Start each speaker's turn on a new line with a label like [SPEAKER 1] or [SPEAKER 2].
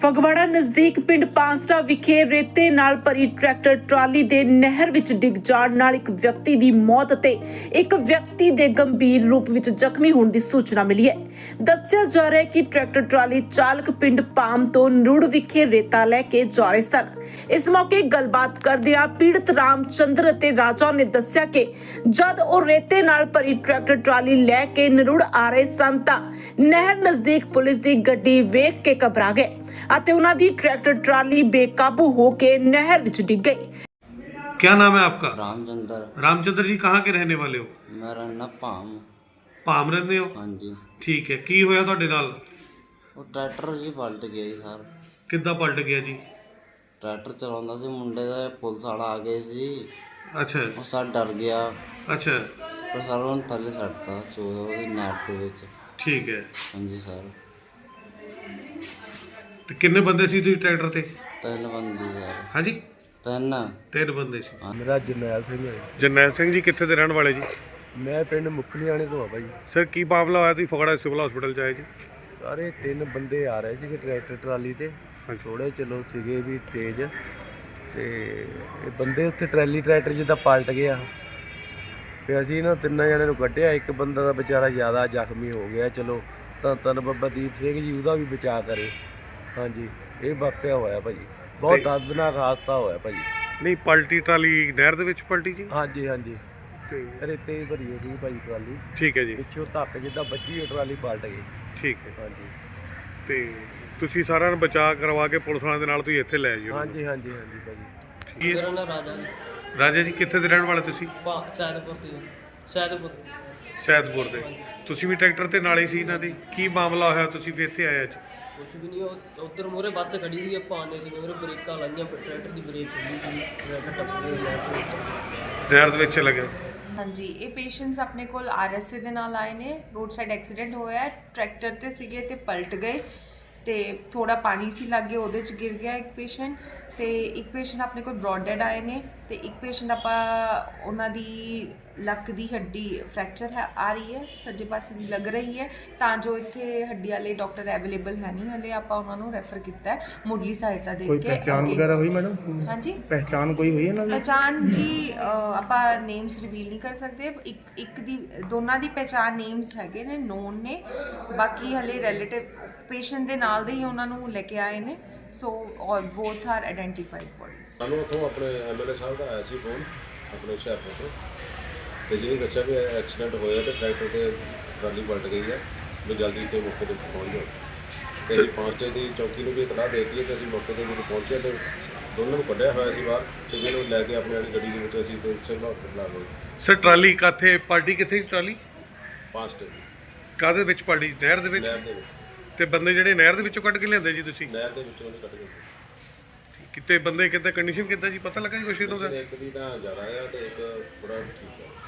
[SPEAKER 1] ਫਗਵਾੜਾ ਨਜ਼ਦੀਕ ਪਿੰਡ ਪਾਂਸਟਾ ਵਿਖੇ ਰੇਤੇ ਨਾਲ ਭਰੀ ਟਰੈਕਟਰ ਟਰਾਲੀ ਦੇ ਨਹਿਰ ਵਿੱਚ ਡਿੱਗ ਜਾਣ ਨਾਲ ਇੱਕ ਵਿਅਕਤੀ ਦੀ ਮੌਤ ਅਤੇ ਇੱਕ ਵਿਅਕਤੀ ਦੇ ਗੰਭੀਰ ਰੂਪ ਵਿੱਚ ਜ਼ਖਮੀ ਹੋਣ ਦੀ ਸੂਚਨਾ ਮਿਲੀ ਹੈ। ਦੱਸਿਆ ਜਾ ਰਿਹਾ ਹੈ ਕਿ ਟਰੈਕਟਰ ਟਰਾਲੀ ਚਾਲਕ ਪਿੰਡ ਪਾਮ ਤੋਂ ਨਰੂੜ ਵਿਖੇ ਰੇਤਾ ਲੈ ਕੇ ਜਾ ਰਹੇ ਸਨ। ਇਸ ਮੌਕੇ ਗੱਲਬਾਤ ਕਰਦਿਆਂ ਪੀੜਤ ਰਾਮਚੰਦਰ ਅਤੇ ਰਾਜਾ ਨੇ ਦੱਸਿਆ ਕਿ ਜਦ ਉਹ ਰੇਤੇ ਨਾਲ ਭਰੀ ਟਰੈਕਟਰ ਟਰਾਲੀ ਲੈ ਕੇ ਨਰੂੜ ਆ ਰਹੇ ਸਨ ਤਾਂ ਨਹਿਰ ਨਜ਼ਦੀਕ ਪੁਲਿਸ ਦੀ ਗੱਡੀ ਵੇਖ ਕੇ ਘਬਰਾ ਗਏ ਅਤੇ ਉਹਨਾਂ ਦੀ ट्रैक्टर ट्राली बेकाबू होकर नहर विच डिग गई।
[SPEAKER 2] क्या नाम है आपका?
[SPEAKER 3] रामचंद्र।
[SPEAKER 2] रामचंद्र जी कहाँ के रहने वाले हो?
[SPEAKER 3] मेरा ना भाम।
[SPEAKER 2] भाम रहंदे हो?
[SPEAKER 3] हाँ जी।
[SPEAKER 2] ठीक है। की होया तुहाडे नाल?
[SPEAKER 3] वो ट्रैक्टर जी पलट गया जी सर।
[SPEAKER 2] किद्दां पलट गया जी?
[SPEAKER 3] ट्रैक्टर चलाਉਂਦਾ ਸੀ ਮੁੰਡੇ ਦਾ ਪੁਲਿਸ ਵਾਲਾ ਆ ਗਏ ਸੀ।
[SPEAKER 2] अच्छा।
[SPEAKER 3] ਉਹ ਸਰ ਡਰ ਗਿਆ।
[SPEAKER 2] अच्छा।
[SPEAKER 3] ਪਰ ਸਰ ਉਹਨੂੰ ਥੱਲੇ ਸੱਟਤਾ ਉਹਦੀ ਨੈਟ ਦੇ ਵਿੱਚ।
[SPEAKER 2] ठीक है।
[SPEAKER 3] हाँ जी सर।
[SPEAKER 2] ਤੇ ਕਿੰਨੇ ਬੰਦੇ ਸੀ ਤੁਸੀਂ ਟਰੈਕਟਰ ਤੇ?
[SPEAKER 3] ਤਿੰਨ ਬੰਦੇ ਸਰ।
[SPEAKER 2] ਹਾਂਜੀ ਤਿੰਨ ਬੰਦੇ ਸੀ।
[SPEAKER 4] ਮੇਰਾ ਜਰਨੈਲ ਸਿੰਘ ਹੈ।
[SPEAKER 2] ਜਰਨੈਲ ਸਿੰਘ ਜੀ ਕਿੱਥੇ ਦੇ ਰਹਿਣ ਵਾਲੇ ਜੀ?
[SPEAKER 4] ਮੈਂ ਪਿੰਡ ਮੁਖਲੀਆਣੇ ਤੋਂ ਆ ਭਾਈ।
[SPEAKER 2] ਸਰ ਕੀ ਮਾਮਲਾ ਹੋਇਆ ਤੁਸੀਂ ਫਗਵਾੜਾ ਸਿਵਲ ਹਸਪੀਟਲ ਚ ਆਏ ਜੀ?
[SPEAKER 4] ਸਾਰੇ ਤਿੰਨ ਬੰਦੇ ਆ ਰਹੇ ਸੀਗੇ ਟਰੈਕਟਰ ਟਰਾਲੀ ਤੇ। ਥੋੜੇ ਚਲੋ ਸੀਗੇ ਵੀ ਤੇਜ਼ ਤੇ ਇਹ ਬੰਦੇ ਉੱਥੇ ਟਰੈਕਟਰ ਜਿੱਦਾਂ ਪਲਟ ਗਿਆ ਤੇ ਅਸੀਂ ਨਾ ਤਿੰਨਾਂ ਜਣਿਆਂ ਨੂੰ ਕੱਢਿਆ। ਇੱਕ ਬੰਦਾ ਦਾ ਵਿਚਾਰਾ ਜ਼ਿਆਦਾ ਜ਼ਖਮੀ ਹੋ ਗਿਆ। ਚਲੋ ਧੰਨ ਬਾਬਾ ਦੀਪ ਸਿੰਘ ਜੀ ਉਹਦਾ ਵੀ ਬਚਾਅ ਕਰੇ। ਹਾਂਜੀ ਇਹ ਵਾਕਿਆ ਹੋਇਆ ਭਾਜੀ, ਬਹੁਤ ਦਰਦਨਾਕ ਹਾਦਸਾ ਹੋਇਆ ਭਾਜੀ।
[SPEAKER 2] ਨਹੀਂ ਪਲਟੀ ਟਰਾਲੀ ਨਹਿਰ ਦੇ ਵਿੱਚ ਪਲਟੀ ਜੀ?
[SPEAKER 4] ਹਾਂਜੀ ਹਾਂਜੀ
[SPEAKER 2] ਤੇ
[SPEAKER 4] ਰੇਤੇ ਭਰੀ ਹੋਈ ਸੀ ਭਾਜੀ ਟਰਾਲੀ।
[SPEAKER 2] ਠੀਕ ਹੈ ਜੀ।
[SPEAKER 4] ਪਿੱਛੋਂ ਧੱਕ ਜਿੱਦਾਂ ਵੱਜੀ ਉਹ ਟਰਾਲੀ ਪਲਟ ਗਈ।
[SPEAKER 2] ਠੀਕ ਹੈ।
[SPEAKER 4] ਹਾਂਜੀ
[SPEAKER 2] ਤੇ ਤੁਸੀਂ ਸਾਰਿਆਂ ਨੂੰ ਬਚਾਅ ਕਰਵਾ ਕੇ ਪੁਲਿਸ ਵਾਲਿਆਂ ਦੇ ਨਾਲ ਤੁਸੀਂ ਇੱਥੇ ਲੈ ਆਏ ਜੀ?
[SPEAKER 4] ਹਾਂਜੀ ਹਾਂਜੀ ਹਾਂਜੀ ਭਾਜੀ।
[SPEAKER 5] ਮੇਰਾ ਨਾਮ ਰਾਜਾ ਜੀ।
[SPEAKER 2] ਰਾਜਾ ਜੀ ਕਿੱਥੇ ਦੇ ਰਹਿਣ ਵਾਲੇ ਤੁਸੀਂ? ਸੈਦਪੁਰ ਦੇ। ਤੁਸੀਂ ਵੀ ਟਰੈਕਟਰ ਤੇ ਨਾਲ ਹੀ ਸੀ ਇਹਨਾਂ ਦੇ? ਕੀ ਮਾਮਲਾ ਹੋਇਆ ਤੁਸੀਂ ਵੀ ਇੱਥੇ ਆਏ ਅੱਜ?
[SPEAKER 5] ਕੁਛ ਵੀ ਨਹੀਂ, ਉੱਧਰ ਮੂਹਰੇ ਬੱਸ ਖੜੀ ਸੀ, ਆਪਾਂ ਆਉਂਦੇ ਸੀ ਮੂਹਰੇ ਬ੍ਰੇਕਾਂ ਲਾਈਆਂ, ਟਰੈਕਟਰ ਦੀ ਬ੍ਰੇਕ ਖੁੱਲੀ ਸੀ, ਟਰੈਕਟਰ ਟੱਪ ਗਿਆ
[SPEAKER 2] ਨਹਿਰ ਦੇ ਵਿੱਚ ਲੱਗਿਆ।
[SPEAKER 6] ਹਾਂਜੀ ਇਹ ਪੇਸ਼ੈਂਟਸ ਆਪਣੇ ਕੋਲ ਆਰਐਸਏ ਦੇ ਨਾਲ ਆਏ ਨੇ। ਰੋਡ ਸਾਈਡ ਐਕਸੀਡੈਂਟ ਹੋਇਆ, ਟਰੈਕਟਰ ਤੇ ਸੀਗੇ ਤੇ ਪਲਟ ਗਏ ਤੇ ਥੋੜਾ ਪਾਣੀ ਸੀ ਲੱਗੇ ਉਹਦੇ ਚ ਗਿਰ ਗਿਆ ਇੱਕ ਪੇਸ਼ੈਂਟ ਤੇ ਇੱਕ ਪੇਸ਼ੈਂਟ ਆਪਣੇ ਕੋਲ ਬ੍ਰੌਡ ਡੈਡ ਆਏ ਨੇ ਤੇ ਇੱਕ ਪੇਸ਼ੈਂਟ ਆਪਾਂ ਉਹਨਾਂ ਦੀ ਲੱਕ ਦੀ ਹੱਡੀ ਫ੍ਰੈਕਚਰ ਹੈ ਆ ਰਹੀ ਹੈ, ਸੱਜੇ ਪਾਸੇ ਦੀ ਲੱਗ ਰਹੀ ਹੈ ਤਾਂ ਜੋ ਇੱਥੇ ਹੱਡੀ ਵਾਲੇ ਡਾਕਟਰ ਅਵੇਲੇਬਲ ਹੈ ਨਹੀਂ ਹਲੇ, ਆਪਾਂ ਉਹਨਾਂ ਨੂੰ ਰੈਫਰ ਕੀਤਾ ਹੈ ਮੁੱਢਲੀ ਸਹਾਇਤਾ ਦੇ ਕੇ।
[SPEAKER 4] ਕੋਈ ਪਹਿਚਾਣ ਵਗੈਰਾ ਹੋਈ ਮੈਡਮ?
[SPEAKER 6] ਹਾਂਜੀ
[SPEAKER 4] ਪਹਿਚਾਣ ਕੋਈ ਹੋਈ ਇਹਨਾਂ ਦੀ?
[SPEAKER 6] ਪਹਿਚਾਣ ਜੀ ਆਪਾਂ ਨੇਮਸ ਰਿਵੀਲ ਨਹੀਂ ਕਰ ਸਕਦੇ। ਇੱਕ ਦੀ ਦੋਨਾਂ ਦੀ ਪਹਿਚਾਣ ਨੇਮਸ ਹੈਗੇ ਨੇ, ਨੋਨ ਨੇ, ਬਾਕੀ ਹਲੇ ਰਿਲੇਟਿਵ ਪੇਸ਼ੈਂਟ ਦੇ ਨਾਲ ਦੇ ਹੀ ਉਹਨਾਂ ਨੂੰ ਲੈ ਕੇ ਆਏ ਨੇ। ਸੋ ਔਰ ਬੋਥ ਆਰ ਆਇਡੈਂਟੀਫਾਈਡ ਬੋਡੀਜ਼।
[SPEAKER 7] ਸਾਨੂੰ ਉੱਥੋਂ ਆਪਣੇ ਐਮਐਲਏ ਸਾਹਿਬ ਦਾ ਆਇਆ ਸੀ ਫੋਨ ਆਪਣੇ ਹੁਸ਼ਿਆਰਪੁਰ ਤੋਂ, ਤੇ ਜਿਹਨੇ ਦੱਸਿਆ ਵੀ ਐਕਸੀਡੈਂਟ ਹੋਇਆ ਤੇ ਟਰੈਕਟਰ ਤੇ ਟਰਾਲੀ ਪਲਟ ਗਈ ਹੈ ਵੀ ਜਲਦੀ ਇੱਥੇ ਮੌਕੇ 'ਤੇ ਪਹੁੰਚ ਜਾਓ। ਤੇ ਅਸੀਂ ਪਾਂਸਟੇ ਦੀ ਚੌਕੀ ਨੂੰ ਵੀ ਇਤਲਾਹ ਦੇ ਦਿੱਤੀ ਹੈ ਕਿ ਅਸੀਂ ਮੌਕੇ 'ਤੇ ਜਦੋਂ ਪਹੁੰਚੇ ਤੇ ਦੋਨਾਂ ਨੂੰ ਕੱਢਿਆ ਹੋਇਆ ਸੀ ਬਾਹਰ ਤੇ ਜਿਹਨੂੰ ਲੈ ਕੇ ਆਪਣੀ ਵਾਲੀ ਗੱਡੀ ਦੇ ਵਿੱਚ ਅਸੀਂ ਤੇ ਸਿਵਲ ਹਸਪਤਾਲ ਆ ਗਏ।
[SPEAKER 2] ਸਰ ਟਰਾਲੀ ਕਾਥੇ ਪਲਟੀ? ਕਿੱਥੇ ਸੀ ਟਰਾਲੀ?
[SPEAKER 7] ਪਾਂਸਟੇ ਦੀ
[SPEAKER 2] ਕਾਹਦੇ ਵਿੱਚ ਪਲਟੀ? ਨਹਿਰ ਦੇ ਵਿੱਚ?
[SPEAKER 7] ਨਹਿਰ ਦੇ ਵਿੱਚ।
[SPEAKER 2] ਤੇ ਬੰਦੇ ਜਿਹੜੇ ਨਹਿਰ ਦੇ ਵਿੱਚੋਂ ਕੱਢ ਕੇ ਲਿਆਂਦੇ ਜੀ ਤੁਸੀਂ?
[SPEAKER 7] ਨਹਿਰ ਦੇ ਵਿੱਚੋਂ ਉਹਨੇ ਕੱਢ ਗਏ।
[SPEAKER 2] ਕਿਤੇ ਬੰਦੇ ਕਿੱਦਾਂ ਕੰਡੀਸ਼ਨ ਕਿੱਦਾਂ ਜੀ ਪਤਾ ਲੱਗਾ ਜੀ ਕੁਛ ਇਹਨਾਂ ਦਾ?
[SPEAKER 7] ਇੱਕ ਦੀ ਤਾਂ ਜ਼ਿਆਦਾ ਆ ਤੇ ਇੱਕ ਥੋੜਾ ਠੀਕ ਹੈ।